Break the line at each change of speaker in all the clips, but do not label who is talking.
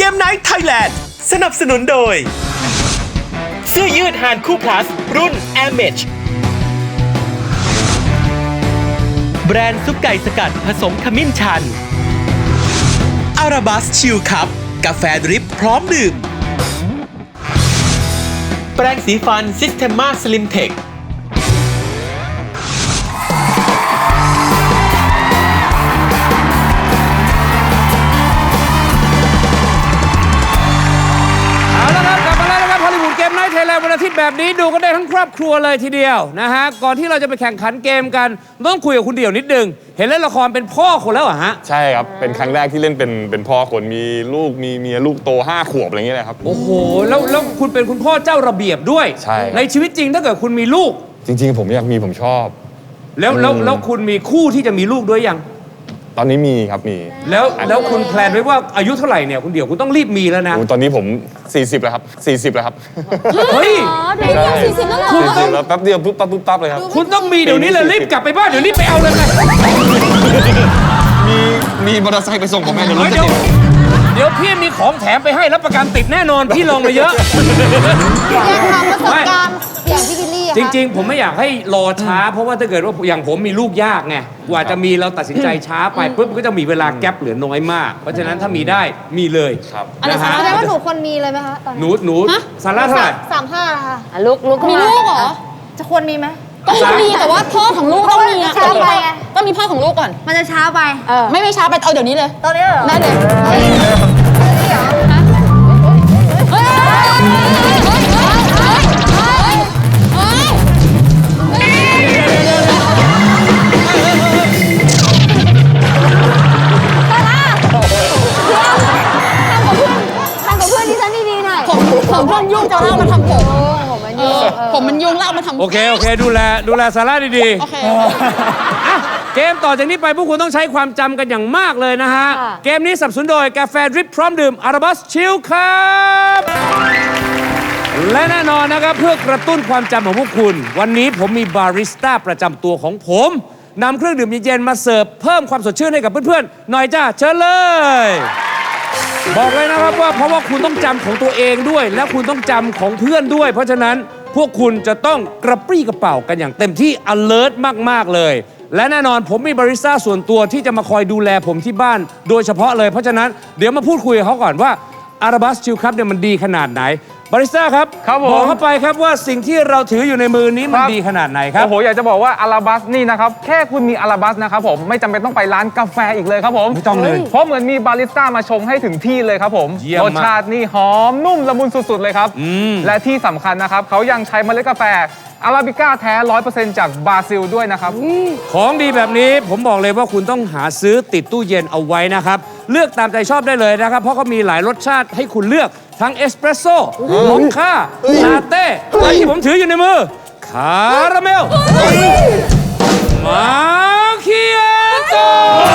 มไนท์ไทยแลนด์สนับสนุนโดยเสื้อยืดฮานคู่พลัสรุ่น Air Mesh แบรนด์ซุปไก่สกัดผสมขมิ้นชันอาราบัสชิลคัพกาแฟดริปพร้อมดื่มแปรงสีฟันซิสเทมมาสลิมเทค
เกมไนท์ไทยแลนด์วันอาทิตย์แบบนี้ดูกันได้ทั้งครอบครัวเลยทีเดียวนะฮะก่อนที่เราจะไปแข่งขันเกมกันต้องคุยกับคุณเดี่ยวนิดนึงเห็นเล่นละครเป็นพ่อคนแล้วเหรอฮะ
ใช่ครับเป็นครั้งแรกที่เล่นเป็นพ่อคนมีลูกมีเมียลูกโต5 ขวบอะไรเงี้ยเลยครับ
โอ้โหแล้วคุณเป็นคุณพ่อเจ้าระเบียบด้วย
ใช่
ในชีวิตจริงถ้าเกิดคุณมีลูก
จริงๆผมอยากมีผมชอบ
แล้วคุณมีคู่ที่จะมีลูกด้วยยัง
ตอนนี้มีครับมี
แล้วคุณแพลนไว้ว่าอายุเท่าไหร่เนี่ยคุณเดี่ยวคุณต้องรีบมีแล้วนะ
ตอนนี้ผม40แล้วครับ40แล้วครับ
เฮ้ย
เดี๋ยว40แล้วเหรอ
40แล้วแป๊บเดียวปุ๊บปั๊บเลยครับ
คุณต้องมีเดี๋ยวนี้เลยรีบกลับไปบ้านเดี๋ยวรีบไปเอาเลยนะ
มีมอเตอร์ไซค์ไปส่งผมไหมเดี๋ยวรถจะติด
เดี๋ยวพี่มีของแถมไปให้รับประกันติดแน่นอนพี่ลองมาเยอะ
อยากทำประสบการณ์อย่างพี่กิลลี่
จริงๆผมไม่อยากให้รอช้าเพราะว่าถ้าเกิดว่าอย่างผมมีลูกยากไงกว่าจะมีเราตัดสินใจช้าไปปุ๊บก็จะมีเวลาแกลบเหลือน้อยมากเพราะฉะนั้นถ้ามีได้มีเลย
นะฮะแสดงว่าหนูคนมีเลยไหมคะตอนนี้
หนูซาร่าเท่าไหร่
35ค่ะ
ลูก
มีลูกเหรอจะควรมีไหม
ก็มีแต่ว่าพ่อของลูกต้องมี
ช้าไป
ต้องมีพ่อของลูกก่อน
มันจะช้าไป
ไม่ช้าไปเอาเดี๋ยวนี้เลย
ตอนนี้เหรอ
ได้เลยผมเพิ่งยุ่งจะเล่ามาทำผมมันยุ่งเล่ามาทำ
โอเคดูแลซาร่าดีๆโอเคเกมต่อจากนี้ไปพวกคุณต้องใช้ความจำกันอย่างมากเลยนะฮะเกมนี้สนับสนุนโดยกาแฟดริปพร้อมดื่มอาราบัสชิลครับและแน่นอนนะครับเพื่อกระตุ้นความจำของพวกคุณวันนี้ผมมีบาริสต้าประจำตัวของผมนำเครื่องดื่มเย็นๆมาเสิร์ฟเพิ่มความสดชื่นให้กับเพื่อนๆหน่อยจ้าเชิญเลยบอกเลยนะครับว่าเพราะว่าคุณต้องจำของตัวเองด้วยและคุณต้องจำของเพื่อนด้วยเพราะฉะนั้นพวกคุณจะต้องกระปรี้กระเป๋ากันอย่างเต็มที่ alert มากๆเลยและแน่นอนผมมีบาริสต้าส่วนตัวที่จะมาคอยดูแลผมที่บ้านโดยเฉพาะเลยเพราะฉะนั้นเดี๋ยวมาพูดคุยกับเขาก่อนว่าอาราบัสชิลครับเนี่ยมันดีขนาดไหนบาริสต้าครับบอกเข้าไปครับว่าสิ่งที่เราถืออยู่ในมือนี้มันดีขนาดไหนครับ
โอ้โหอยากจะบอกว่าอาราบัสนี่นะครับแค่คุณมีอาราบัสนะครับผมไม่จำเป็นต้องไปร้านกาแฟอีกเลยครับผม
ไม่ต้องเลย
เพราะเหมือนมีบาริสต้ามาชงให้ถึงที่เลยครับผมรสชาตินี่หอมนุ่มละมุนสุดๆเลยครับและที่สำคัญนะครับเขายังใช้เมล็ดกาแฟอาราบิก้าแท้ 100% จากบราซิลด้วยนะครับ
ของดีแบบนี้ผมบอกเลยว่าคุณต้องหาซื้อติดตู้เย็นเอาไว้นะครับเลือกตามใจชอบได้เลยนะครับเพราะเขามีหลายรสชาติให้คุณเลือกทั้งเอสเปรสโซ่มอคค่าลาเต้และที่ผมถืออยู่ในมือคาราเมลมาคิอาโต้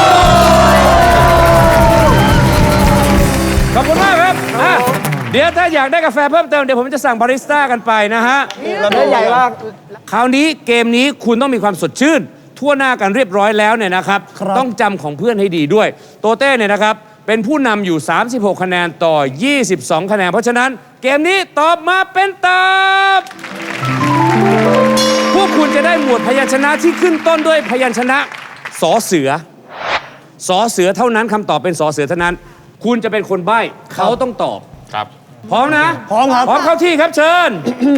ขอบคุณมากครับเดี๋ยวถ้าอยากได้กาแฟเพิ่มเติมเดี๋ยวผมจะสั่งบาริสต้ากันไปนะฮะ
เราได้ใหญ่มาก
คราวนี้เกมนี้คุณต้องมีความสดชื่นทั่วหน้ากันเรียบร้อยแล้วเนี่ยนะครับต้องจำของเพื่อนให้ดีด้วยโตเต้เนี่ยนะครับเป็นผู้นำอยู่36คะแนนต่อ22คะแนนเพราะฉะนั้นเกมนี้ตอบมาเป็นตอบพวกคุณจะได้หมวดพยัญชนะที่ขึ้นต้นด้วยพยัญชนะสอเสือเท่านั้นคำตอบเป็นสอเสือเท่านั้นคุณจะเป็นคนใบ้เขาต้องตอบ
ครับ
พร้อมนะ
พร้อมครับ
พร้อมเข้าที่ครับเชิญ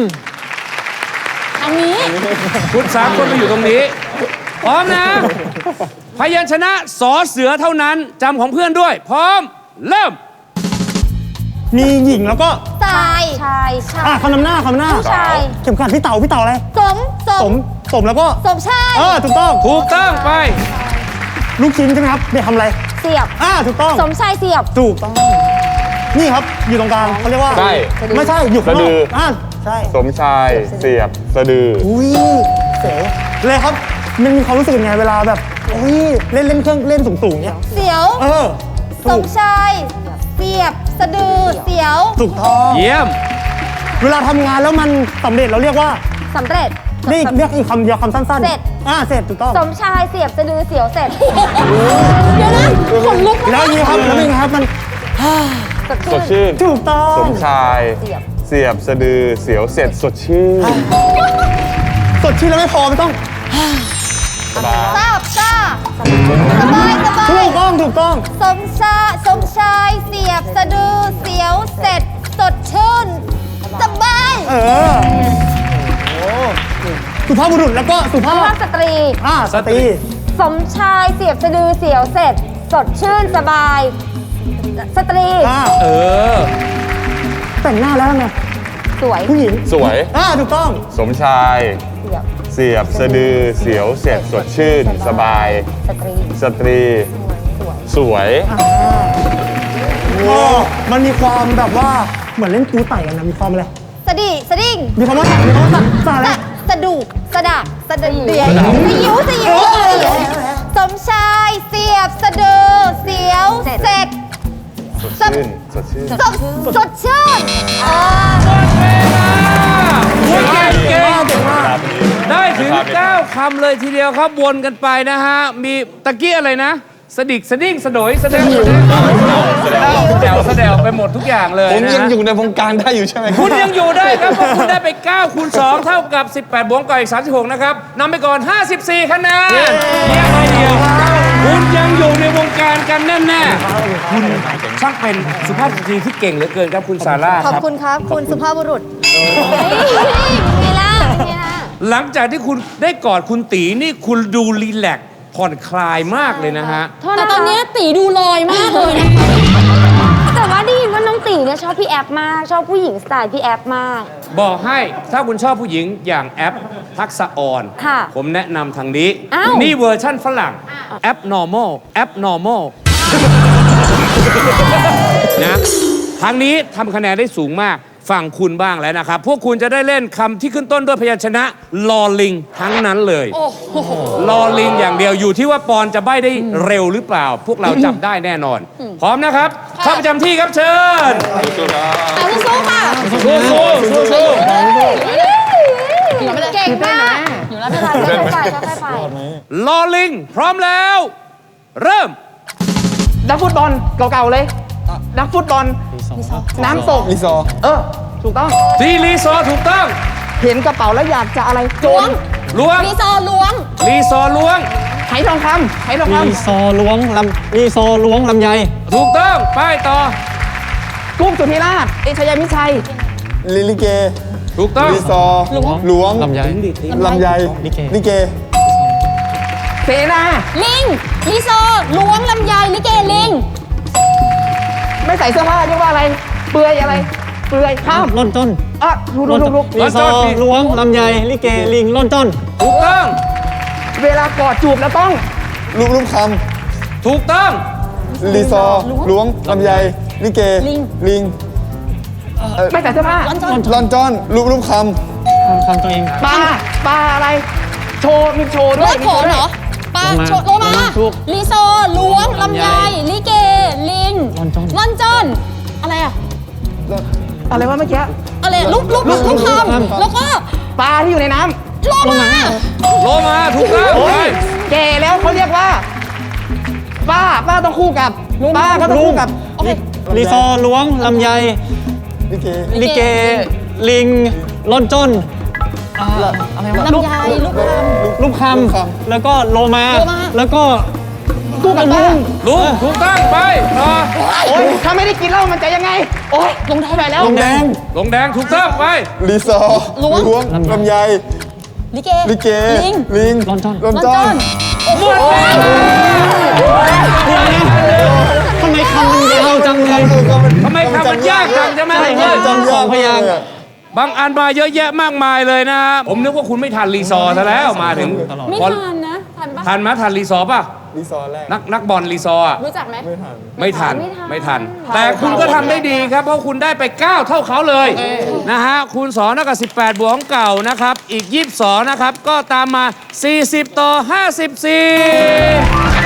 อันนี้
คุณ3 คนไปอยู่ตรงนี้พร้อมนะพยัญชนะสอเสือเท่านั้นจำของเพื่อนด้วยพร้อมเริ่ม
มีหญิงแล้วก็
ชาย
คำนำหน้า
ผู้ชาย
เข็มขัดพี่เต่าอะไรสมแล้วก็
สมชาย
ถูกต้อง
ไป
ลูกชิ้นใช่ไหมครับเนี่ยทำอะไร
เสียบ
ถูกต้อง
สมชายเสียบ
ถูกต้องนี่ครับอยู่ตรงกลางเขาเรียกว่า
ใช่
ไม่ใช่อยู่ข้างนอกใช่
สมชายเสียบสะดือ
อุ้ยเสเลยครับมันมีความรู้สึกยังไงเวลาแบบอุ้ยเล่นเครื่องเล่นสูงเนี่ย
เสียวสมชายเสียบสะดือเสียว
ถูกต้อง
เยี่ยม
เวลาทำงานแล้วมันสำเร็จเราเรียกว่า
สำเร็จ
เรียกอีกคำเดียวคำสั้นๆ
เสร็จ
เสร็จถูกต้อง
สมชายเสียบสะดือเสียวเสร็จ
เดี๋ยวนะขนลุก
แล้วอย่างนี้ครับแล้วเป็นไงครับมัน
สดชื่น
ถูกต้อง
สมชายเสียบสะดือเสียวเสร็จสดชื่น
สดชื่นแล้วไม่พอมันต้อง
สบาย
ทราบซ่าสบายสบา
ถู
ย
กต้องถูกต้อง
สมชายเสียบสะดือเสียวเสร็จสดชื่นสบาย
เออโอ้สุภาพบุรุษแล้วก็สุภา
สุ
พ
ภาพสตรี
สตรี
สมชายเสียบสะดือเสียวเสร็จสดชื่นสบาย สตรี
เออ
แต่งหน้าแล้วไง
สวย
ผู้หญิง
สวย
ถูกต้อง
สมชาย
เสียบ
เสียบสะดือเสียวเสร็จสดชื่น สบาย
สตรี
สตรี สวย
มันมีความแบบว่าเหมือนเล่นปูไต่กันนะมีความอะไร
สดิ้ง
มีความว่าสาอะไร
สะดุกสะดักสะดือสยิวสมชายเสียบสะดือเสียวเสร็จ
สดชื่น สดชื่น
สดชื่น
เก่งได้ถึง 9 คำเลยทีเดียวครับวนกันไปนะฮะ มีตะกี้อะไรนะ สดิกสดิ้งสะโดยสะเดวสะเดวไปหมดทุกอย่างเลย
ผม
นะ
ยัง
ฮะ
อยู่ในวงการได้อยู่ใช่ไหม
คุณยังอยู่ได้ครับเพราะคุณได้ไป 9 คูณ 2 เท่ากับ 18 บวกกับอีก 36 นะครับนำไปก่อน 54 คะแนนเยี่ยมเลยเดียวคุณยังอยู่ในวงการกันแน่ๆคุณช่างเป็นสุภาพสตรีที่เก่งเหลือเกินครับคุณซาร่า
ขอบ
ครับ
คุณครับ คุณสุภาพบุรุษมีล่ะ
หลังจากที่คุณได้กอดคุณตีนี่คุณดูรีแลกซ์ผ่อนคลายมากเลยนะฮะ
แต่ตอนนี้ตีดูลอยมากเลยนะ
แต่ว่าได้ยินว่าน้องตีเนี่ยชอบพี่แอฟมาก ชอบผู้หญิงสไตล์พี่แอฟมาก
บอกให้ถ้าคุณชอบผู้หญิงอย่างแอปทักษะออน
ค่ะ
ผมแนะนำทางนี้
อ้าว
นี่เวอร์ชั่นฝรั่งแอป normal แอป normal นะทางนี้ทำคะแนนได้สูงมากฝั่งคุณบ้างแล้วนะครับ พวกคุณจะได้เล่นคำที่ขึ้นต้นด้วยพยัญชนะลอลิงทั้งนั้นเลยลอลิงอย่างเดียวอยู่ที่ว่าปอนจะใบ้ได้เร็วหรือเปล่า พวกเราจับได้แน่นอน พร้อมนะครับเข้าประจำที่ครับเชิญ
สู้ค่ะ
สู้สู้สู้สู้
เก่งมาก
อยู่แล้ว
ค่อยๆไปค่อยๆไป
ลอลิง พร้อมแล้ว เริ่ม
นักฟุตบอลเก่าๆเลย นักฟุตบอลน้ำตก
ลิซอ
ถูกต้อง
ทีรีซอร์ถูกต้อง
เห็นกระเป๋าแล้วอยากจะอะไรโจร
ล้วง
รีซอร์ล้วง
รีซอร์ล้วง
ไหทองคำไหทองค
ซอล้วงลำไย
ถูกต้องไปต่อ
ำกุ้งสุธิราช เอชยามิชัย
ลิเก
ถูกต้อง
ลิซอล้วงลำไยลิเก
เสนา
ลิงรีซอร์ล้วงลำไยลิเกลิง
ไม่ใส่เสื้อผ้าเรียกว่าอะไร เปลือยอะไร เปลือยข้าม
ล่นต้น
ลุก
รีซอร์
ล้วงลำไยลิเกลิงล่นต้น
ถูกต้อง
เวลากอดจูบแล้วต้อง
ลูกค
ถูกต้อง
ำลิซอล้วงลำไยลิเกลิง
ไม่ใส่เสื้อผ้า
ล่อนจ้อนลูกคำตัวเอง
ปลาอะไร โชว์มีโชว์
ร
ด้วย
ถโขนเหรอปลาโชโลมารีซอร์ล้วงลำไยลิเกลิงลอนจอนอะไรอะ
อะไรวะเมื่อกี้
อะไรลูกคำแล้วก็
ปลาที่อยู่ในน้
โลมา
โลมาถูกต้อง
ำ
ไป
แก่แล้วเขาเรียกว่า ป้าต้องคู่กับป้าก็ต้องคู่กับ
โอเค
รีซอร์ล้วงลำไย ลิเก ลิงล่อนจ้น
ลำไยลูกคำ
ลูกคำแล้วก็โลมา
โลมา
แล้วก็
คู่กับลุง
ลุงถูกต้องไปต่อ
โอ๊ยถ้าไม่ได้กินเหล้ามันจะยังไง โอ๊ยลงท้ายไปแล้ว
ลงแดง
ลงแดงถูกต้องไป
ลิซอล้วงลำไย
ลิเก
ลิเก
ลิง
ลิง
ล่อนจ้น
ล่อน
ลอน
จ้
จ
อ
อน น
หมดเวลา
ทำไมคำมันยาวจังเลย
ทำไมคำมันยากจังใช่ไหม
จำยาก
พยางค์
บางอันมาเยอะแยะมากมายเลยนะฮะผมนึกว่าคุณไม่ทันรีซอร์ซะแล้วมาถึง
ไม่
พอ
ทันนะทันปะ
ทันไหมทันรีซอร์ป่ะ
ลิซอแรก
นักบอลรีซอร์อะ
รู้จักไหม
ไม่ทัน แต่คุณก็ทำได้ดีครับ เพราะคุณได้ไป 9 เท่าเขาเลยนะฮะ คูณ2เท่ากับ18 บวกของเก่านะครับ อีก 22 นะครับ ก็ตามมา 40 ต่อ 54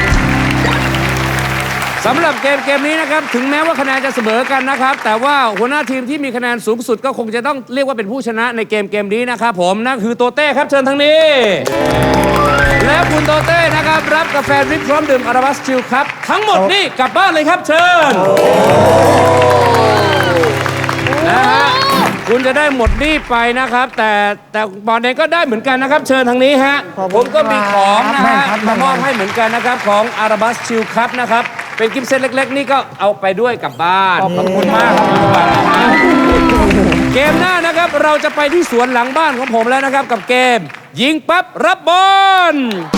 สำหรับเกมนี้นะครับ ถึงแม้ว่าคะแนนจะเสมอกันนะครับ แต่ว่าหัวหน้าทีมที่มีคะแนนสูงสุดก็คงจะต้องเรียกว่าเป็นผู้ชนะในเกมนี้นะครับผมนั่นคือโตเต้ครับเชิญทางนี้ แล้วคุณโตเต้นะครับรับกาแฟดริปพร้อมดื่มอาราบัสชิลครับทั้งหมดนี่กลับบ้านเลยครับเชิญนะฮะคุณจะได้หมดหนี้ไปนะครับ แต่บอลเองก็ได้เหมือนกันนะครับ เชิญทางนี้ฮะผมก็มีของนะฮะมามอบให้เหมือนกันนะครับของอาราบัสชิลคัพนะครับเป็นกิฟต์เซตเล็กๆนี่ก็เอาไปด้วยกลับบ้านขอบคุณมากครับเกมหน้านะครับเราจะไปที่สวนหลังบ้านของผมแล้วนะครับกับเกมยิงปั๊บรับบอล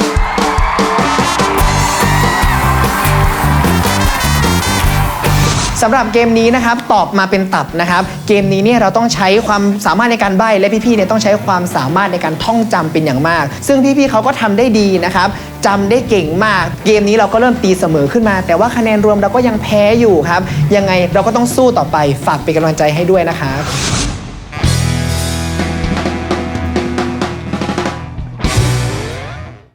สำหรับเกมนี้นะครับตอบมาเป็นตับนะครับเกมนี้เนี่ยเราต้องใช้ความสามารถในการใบ้และพี่ๆเนี่ยต้องใช้ความสามารถในการท่องจำเป็นอย่างมากซึ่งพี่ๆเขาก็ทำได้ดีนะครับจำได้เก่งมากเกมนี้เราก็เริ่มตีเสมอขึ้นมาแต่ว่าคะแนนรวมเราก็ยังแพ้อยู่ครับยังไงเราก็ต้องสู้ต่อไปฝากเป็นกำลังใจให้ด้วยนะครับ